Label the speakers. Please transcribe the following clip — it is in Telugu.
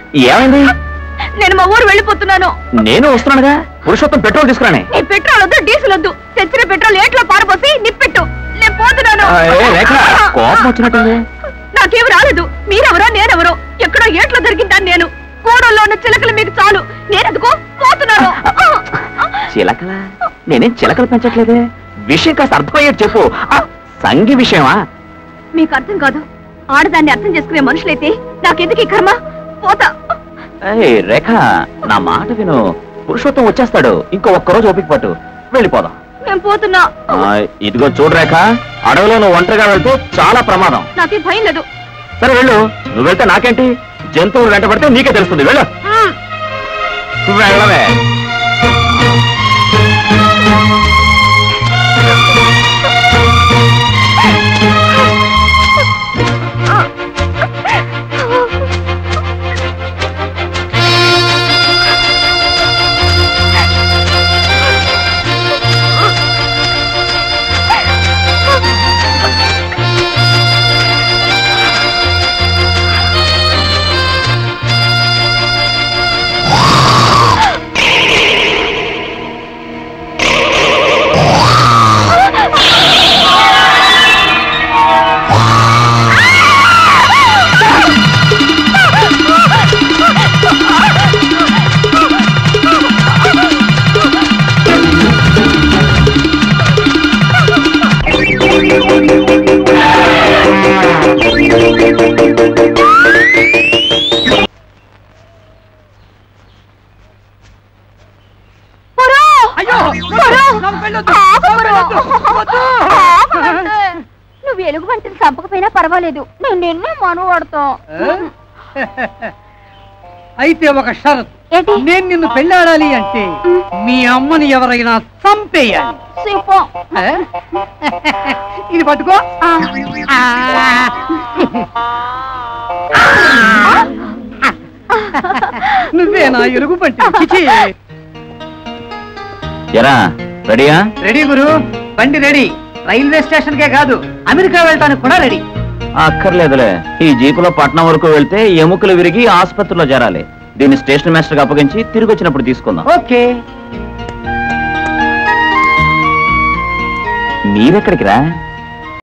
Speaker 1: ఏమైంది?
Speaker 2: నేను మా ఊరు వెళ్ళిపోతున్నాను.
Speaker 1: నేను వస్తున్నానుగా. పురుషోత్తం పెట్రోల్ తీసుకురానే.
Speaker 2: నీ పెట్రోల్ వద్దు, డీజిల్ వద్దు. తెచ్చిన పెట్రోల్ ఏట్లో పారపోసి నిప్పెట్టు. నేను పోతున్నాను.
Speaker 1: కోపం వచ్చినట్టుంది.
Speaker 2: నాకేమి రాలేదు. మీరెవరో నేనెవరో, ఎక్కడో ఏట్లో దొరికిందాను నేను. కూడల్లో ఉన్న చిలకలు మీకు చాలు. నేనెందుకో పోతున్నాను.
Speaker 1: చిలకల? నేనేం చిలకలు పెంచట్లేదే. విషయం కాస్త అర్థమయ్యేది చెప్పు. సంగి విషయమా?
Speaker 2: మీకు అర్థం కాదు. ఆడదాన్ని అర్థం చేసుకునే మనుషులైతే నాకెందుకు ఈ కర్మ? పోతా.
Speaker 1: రేఖ, నా మాట విను. పురుషోత్తం వచ్చేస్తాడు. ఇంకో ఒక్కరోజు ఓపిక పట్టు. వెళ్ళిపోదాం.
Speaker 2: నేను పోతున్నా.
Speaker 1: ఇదిగో చూడు రేఖ, అడవిలో నువ్వు ఒంటరిగా వెళ్తే చాలా ప్రమాదం.
Speaker 2: నాకే భయం లేదు.
Speaker 1: సరే వెళ్ళు. నువ్వు వెళ్తే నాకేంటి? జంతువులు వెంట పడితే నీకే తెలుస్తుంది. వెళ్ళు. వెళ్ళవే.
Speaker 2: నువ్వు ఎలుగు వంటిని చంపకపోయినా పర్వాలేదు. నేను నిన్నే మనవాడతా.
Speaker 3: అయితే ఒక షరతు. నేను నిన్ను పెళ్ళాడాలి అంటే మీ అమ్మని ఎవరైనా చంపేయాలి. ఇది పట్టుకో. నువ్వే నా ఎలుగు పంటి.
Speaker 1: రెడీయా?
Speaker 3: రెడీ గురు. బండి రెడీ. రైల్వే స్టేషన్ కే కాదు, అమెరికా వెళ్ళటానికి కూడా రెడీ.
Speaker 1: అక్కర్లేదులే. ఈ జీపులో పట్నం వరకు వెళ్తే ఎముకలు విరిగి ఆసుపత్రిలో చేరాలి. దీన్ని స్టేషన్ మాస్టర్ కి అప్పగించి తిరిగి వచ్చినప్పుడు తీసుకుందాం.
Speaker 3: ఓకే.
Speaker 1: మీరెక్కడికి రా?